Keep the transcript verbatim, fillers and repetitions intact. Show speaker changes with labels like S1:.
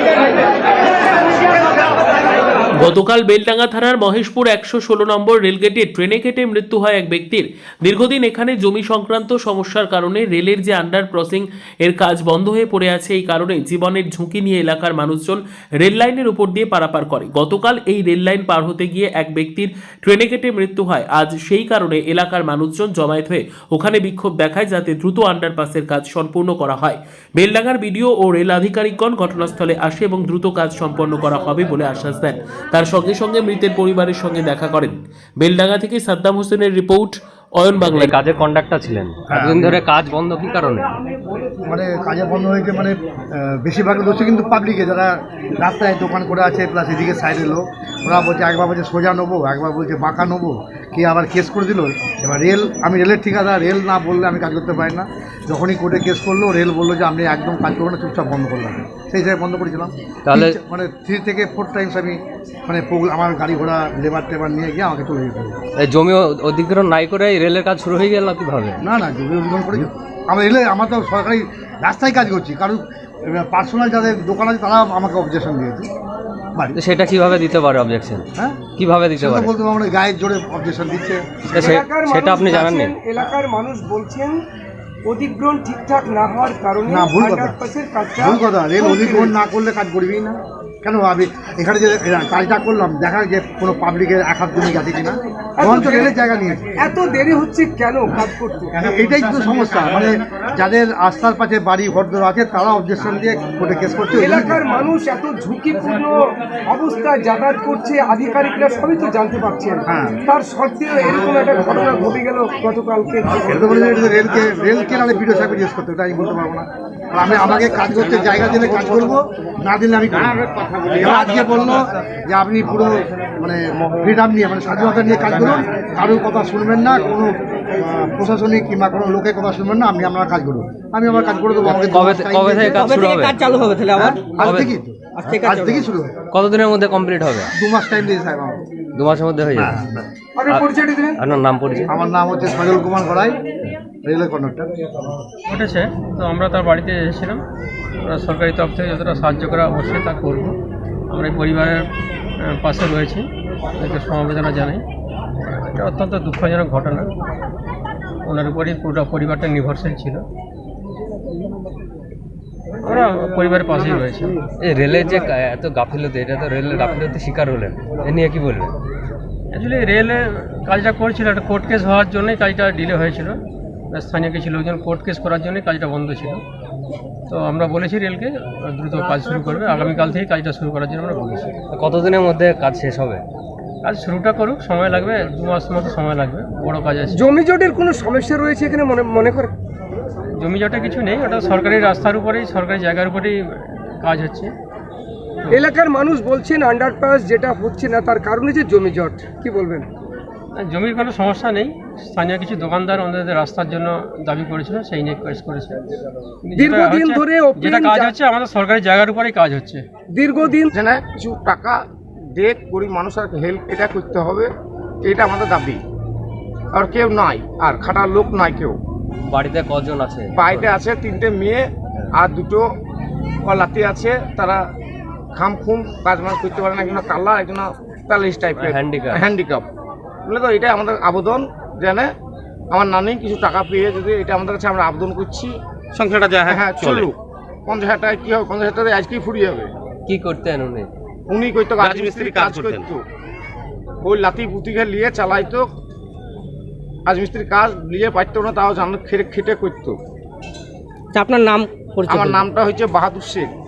S1: গতকাল বেলডাঙ্গা থানার মহেশপুর একশো ষোলো নম্বর রেলগেটে ট্রেনে কেটে মৃত্যু হয় এক ব্যক্তির। দীর্ঘদিন এখানে জমি সংক্রান্ত সমস্যার কারণে রেলের যে আন্ডার ক্রসিং এর কাজ বন্ধ হয়ে পড়ে আছে, এই কারণে জীবনের ঝুঁকি নিয়ে এলাকার মানুষজন রেল লাইনের উপর দিয়ে পারাপার করে। গতকাল এই রেল লাইন পার হতে গিয়ে এক ব্যক্তির ট্রেনে কেটে মৃত্যু হয়। আজ সেই কারণে এলাকার মানুষজন জমায়েত হয়ে ওখানে বিক্ষোভ দেখায় যাতে দ্রুত আন্ডারপাসের কাজ সম্পূর্ণ করা হয়। বেলডাঙ্গার বিডিও ও রেল আধিকারিকগণ ঘটনাস্থলে আসে এবং দ্রুত কাজ সম্পন্ন করা হবে বলে আশ্বাস দেন। তার সঙ্গে সঙ্গে মৃতের পরিবারের সঙ্গে দেখা করেন। বেলডাঙ্গা থেকে সাদ্দাম হোসেনের রিপোর্ট, অয়ন বাংলা।
S2: কাজের কন্ডাক্টর ছিলেন, এতদিন ধরে কাজ বন্ধ কি কারণে?
S3: মানে কাজে বন্ধ হয়েছে, মানে বেশিরভাগ দোষী কিন্তু পাবলিকে, যারা রাস্তায় দোকান করে আছে প্লাস এদিকে সাইডের লোক। ওরা বলছে একবার বলছে সোজা নেবো, একবার বলছে বাঁকা নেবো, কি আবার কেস করে দিল। এবার রেল, আমি রেলের ঠিকাদার, রেল না বললে আমি কাজ করতে পারি না। যখনই কোর্টে কেস করলো, রেল বললো যে আপনি একদম কাজ করবো না, চুপচাপ বন্ধ করলাম। সেই হিসাবে বন্ধ করেছিলাম। তাহলে মানে থ্রি থেকে ফোর টাইমস আমি মানে আমার গাড়ি ঘোড়া লেবার টেবার নিয়ে গিয়ে আমাকে চলে যেতে হবে।
S2: এই জমি অধিগ্রহণ নাই করে রেলের কাজ শুরু হয়ে গেল কিভাবে?
S3: না না জমি অধিগ্রহণ করেছি আমরা রেলে, আমরা তো সরকারি রাস্তায় কাজ করছি। কারণ পার্সোনাল যাদের দোকান আছে তারা আমাকে অবজেকশন দিয়েছে।
S2: সেটা কিভাবে দিতে পারে অবজেকশন? হ্যাঁ, কিভাবে দিতে পারে
S3: বলতে পারবো না, গায়ের জোরে অবজেকশন দিচ্ছে।
S2: সেটা আপনি জানেন না?
S4: এলাকার মানুষ বলছেন অধিগ্রহণ ঠিকঠাক না হওয়ার কারণে।
S3: না, ভুল কথা, ভুল কথা। রেল অধিগ্রহণ না করলে কাজ করবি না। কেন আমি এখানে যে কাজটা করলাম, দেখা যে কোনো পাবলিকের এক হাত জমি গেছে কিনা, বরঞ্চ রেলের জায়গা নিয়েছে।
S4: এত দেরি হচ্ছে কেন কাজ করতে?
S3: এটাই তো সমস্যা। মানে যাদের রাস্তার পাশে বাড়ি ঘরদোর আছে তারা অবজেকশন দিয়ে কোর্টে কেস করছে।
S4: এলাকার মানুষ এত ঝুঁকিপূর্ণ অবস্থায় যাতায়াত করছে, আধিকারিকরা সবই তো জানতে পারছেন।
S3: হ্যাঁ,
S4: তার সত্ত্বেও এরকম একটা ঘটনা ঘটে গেল গতকালকে।
S3: রেলকে রেলকে নাহলে বিডিও সাহেব জিজ্ঞেস করতে, ওটা আমি বলতে পারবো না। আমি আমাকে কাজ করতে জায়গা দিলে কাজ করবো, না দিলে আমি আজকে বললো যে আপনি পুরো মানে ফ্রিডম নিয়ে, মানে স্বাধীনতা নিয়ে কাজ করুন, কারোর কথা শুনবেন না, কোনো প্রশাসনিক কিংবা কোনো লোকের কথা শুনবেন না, আপনি আপনারা কাজ করুন। আমি আমার কাজ করে দেবো। আমাকে
S2: কবে কবে থেকে কাজ শুরু হবে?
S4: কাজ চালু হবে তাহলে আবার
S3: আজ থেকেই তো, আজ থেকেই শুরু হবে।
S2: কতদিনের মধ্যে কমপ্লিট হবে?
S3: দু মাস টাইম দিয়েছে সাহেব আমাকে।
S2: দু মাসের মধ্যে হয়ে যাবে। আপনার নাম পরিচয়?
S3: আমার নাম হচ্ছে সজল কুমার গড়াই, রেলের কন্ডাক্টর।
S5: উঠেছে তো আমরা তার বাড়িতে এসেছিলাম। আমরা সরকারি তরফ থেকে যতটা সাহায্য করা অবশ্যই তা করব। আমরা এই পরিবারের পাশে রয়েছি, তাদেরকে সমবেদনা জানাই। এটা অত্যন্ত দুঃখজনক ঘটনা, ওনার উপরই পুরো পরিবারটা নির্ভরশীল ছিল। আমরা পরিবারের পাশেই রয়েছি।
S2: এই রেলের যে এত গাফিলতি, এটা তো রেলের গাফিলতি শিকার হলেন, এ নিয়ে কি বলবেন?
S5: অ্যাকচুয়ালি রেলে কাজটা করছিল, একটা কোর্ট কেস হওয়ার জন্যই কাজটা ডিলে হয়েছিল। স্থানীয় কিছু লোকজন কোর্ট কেস করার জন্যই কাজটা বন্ধ ছিল। তো আমরা বলেছি রেলকে দ্রুত কাজ শুরু করবে, আগামীকাল থেকেই কাজটা শুরু করার জন্য আমরা বলেছি।
S2: কতদিনের মধ্যে কাজ শেষ হবে?
S5: কাজ শুরুটা করুক, সময় লাগবে, দু মাস মতো সময় লাগবে, বড় কাজ আছে।
S4: জমি জটের কোনো সমস্যা রয়েছে এখানে মনে মনে করে?
S5: জমি জটে কিছু নেই, ওটা সরকারি রাস্তার উপরেই, সরকারি জায়গার উপরেই কাজ হচ্ছে।
S4: এলাকার মানুষ বলছেন আন্ডারপাস যেটা হচ্ছে না তার কারণে যে জমি জট, কি বলবেন?
S5: জমির কোনো সমস্যা নেই, স্থানীয় কিছু দোকানদার ওনাদের রাস্তার জন্য দাবি করেছিল, সেই নিয়ে কেস করেছে।
S4: দীর্ঘদিন ধরে
S5: যেটা কাজ হচ্ছে আমাদের সরকারি জায়গার উপরেই কাজ হচ্ছে।
S4: দীর্ঘদিন
S6: যেন কিছু টাকা দিয়ে গরিব মানুষের হেল্প এটা করতে হবে, এটা আমাদের দাবি। আর কেউ নাই, আর খাটার লোক নাই কেউ।
S2: বাড়িতে কজন আছে?
S6: বাড়িতে আছে তিনটে মেয়ে আর দুটো লাতি আছে, তারা খাম খুম কাজ মাজ করতে পারে না, একজন কাল্লা, একজন প্যারালিস টাইপের
S2: হ্যান্ডিক্যাপ
S6: হ্যান্ডিক্যাপ বলে। তো এটাই আমাদের আবেদন, যেন আমার নানি কিছু টাকা পেয়ে যদি, এটা আমাদের কাছে আমরা আবেদন করছি।
S7: সংসারটা যা
S6: হ্যাঁ চলুক। পঞ্চাশ হাজার টাকা কী হবে? পঞ্চাশ হাজার টাকা আজকেই ফুরিয়ে যাবে।
S2: কি করতেন উনি?
S6: উনি করতো রাজমিস্ত্রি কাজ করতো, ওই লাতি পুতিকে নিয়ে চালাইতো, রাজমিস্ত্রির কাজ নিয়ে পারতো না, তাও জানো খেটে খেটে করতো।
S4: আপনার নাম?
S6: আমার নামটা হচ্ছে বাহাদুর শেখ।